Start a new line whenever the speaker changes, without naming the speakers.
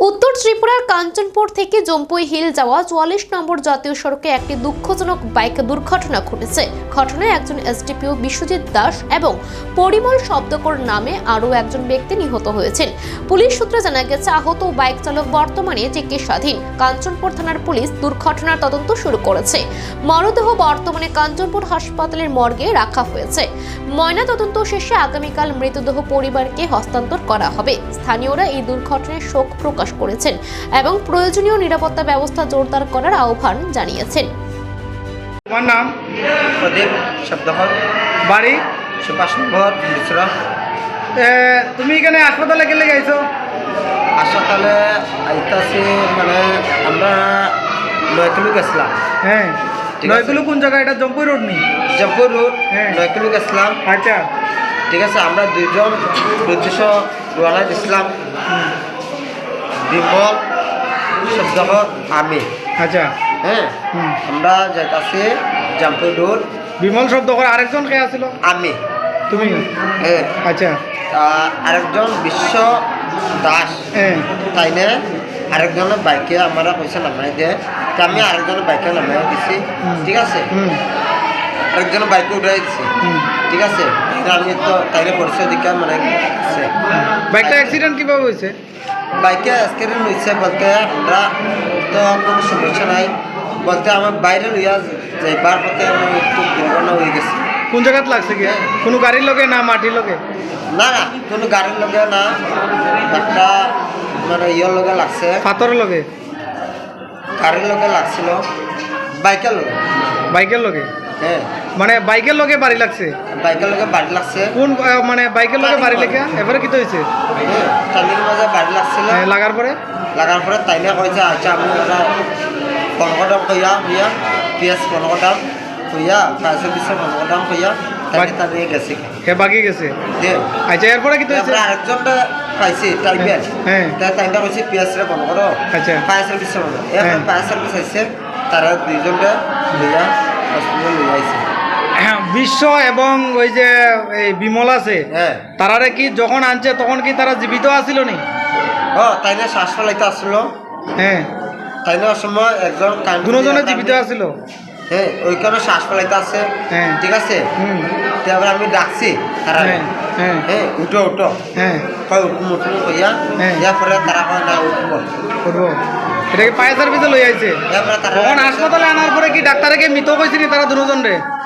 উত্তর ত্রিপুরার কাঞ্চনপুর থেকে জম্পুই হিল যাওয়া ৪৪ নম্বর জাতীয় সড়কে একটি দুঃখজনক বাইক দুর্ঘটনা ঘটেছে। ঘটনায় একজন এসডিপিও বিশ্বজিৎ দাস এবং পরিমল শব্দকর নামে আরও একজন ব্যক্তি নিহত হয়েছেন। পুলিশ সূত্রে জানা গেছে, আহত বাইক চালক বর্তমানে চিকিৎসাধীন। কাঞ্চনপুর থানার পুলিশ দুর্ঘটনার তদন্ত শুরু করেছে। মরদেহ বর্তমানে কাঞ্চনপুর হাসপাতালের মর্গে রাখা হয়েছে। ময়না তদন্ত শেষে আগামীকাল মৃতদেহ পরিবারকে হস্তান্তর করা হবে। স্থানীয়রা এই দুর্ঘটনায় শোক প্রকাশ করেছেন এবং প্রয়োজনীয় নিরাপত্তা ব্যবস্থা জোরদার করার আহ্বান জানিয়েছেন।
তোমার নাম?
প্রদীপ শব্দকর,
বাড়ি?
সুভাষ নম্বর মিশ্রা।
তুমি এখানে হাসপাতালে গেলে গেছো?
হাসপাতালে আইতাছি মানে আমরা 9 কিলো গেছিলাম।
হ্যাঁ,
ঠিক আছে।
9 কিলো কোন জায়গা? এটা জম্পুই রোড নি?
জম্পুর রোড।
হ্যাঁ।
9 কিলো গেছিলাম।
আচ্ছা,
ঠিক আছে। আমরা দুইজন উদ্দেশ্য রওনা দিছিলাম, বিমল শব্দকর আমি।
আচ্ছা।
হ্যাঁ,
হুম।
আমরা যাইতাছি জম্পুর রোড।
বিমল শব্দ করে আরেকজন কে আছিল?
আমি।
তুমি?
হ্যাঁ।
আচ্ছা।
আরেকজন বিশ্ব দাস,
হ্যাঁ।
তাই না? আরেকজনের বাইকে আমরা পয়সা নামাই দেয়, তা আমি আরেকজনের বাইকে নামাই দিছি। ঠিক আছে। আরেকজনের বাইকে উঠাই দিছি। ঠিক আছে। আমি তো তাইলে পরিচয় দিকে মানে আছে।
বাইকটা অ্যাক্সিডেন্ট কিভাবে হয়েছে?
বাইকে অ্যাক্সিডেন্ট হয়েছে বলতে আমরা তো কোনো সমস্যা নাই, বলতে আমার বাইরে লইয়া যাইবার পথে আমি একটু দুর্ঘটনা হয়ে গেছি।
কোন জায়গাত লাগছে কি? কোনো গাড়ির লগে না মাটির লগে?
না না, কোনো গাড়ির লগে না, একটা মানে ইয়ের লগে লাগছে,
পাথরের লগে?
গাড়ির লগে লাগছিল, বাইকের লগে।
বাইকের লগে?
হ্যাঁ,
মানে বাইকের লগে বাড়ি লাগছে?
বাইকের লগে বাড়ি লাগছে।
কোন মানে বাইকের লগে বাড়ি লেগে এবারে কি তো হয়েছে?
হ্যাঁ, টালির মাঝে বাড়ি লাগছিল।
লাগার পরে?
লাগার পরে তাইলে কইছে আচ্ছা আমি 15 দাম কইয়া হইয়া পিঁয়াজ 15 দাম হইয়া 15 দাম হইয়া তাকে তা নিয়ে গেছে।
হে বাকি গেছে?
দে
আচ্ছা, এরপরে কি তো হয়েছে?
আমরা আরেকজনটা পাইছি টাইপের।
হ্যাঁ।
তাইটা কইছে পিঁয়াজরে 15।
আচ্ছা।
ফায়ার সার্ভিস এখন ফায়ার সার্ভিস আইছে, তারা দুইজনটা লইয়া হসপিটাল লইয়া আইছে।
হ্যাঁ, বিশ্ব এবং ওই যে এই বিমল আছে,
হ্যাঁ।
তারারে কি যখন আনছে তখন কি তারা জীবিত আছিল নি?
তাইলে শ্বাস ফেলাইতে আসলো।
হ্যাঁ।
তাইলে সময় একজন
দুজনে জীবিত আছিল?
হ্যাঁ, ওইখানে শ্বাস ফেলাইতে আছে।
হ্যাঁ।
ঠিক আছে।
হুম।
তারপর আমি ডাকছি তারা,
হ্যাঁ। হ্যাঁ।
হ্যাঁ উঠো উঠো,
হ্যাঁ।
কয় উঠুম উঠুম কইয়া,
হ্যাঁ।
এরপরে তারা কয় না উঠবো।
করবো? এটা কি ফায়ার সার্ভিসে লই আইছে?
এরপরে তারা
তখন হাসপাতালে আনার পরে কি ডাক্তারকে মৃত কইছিনি তারা দুজন রে?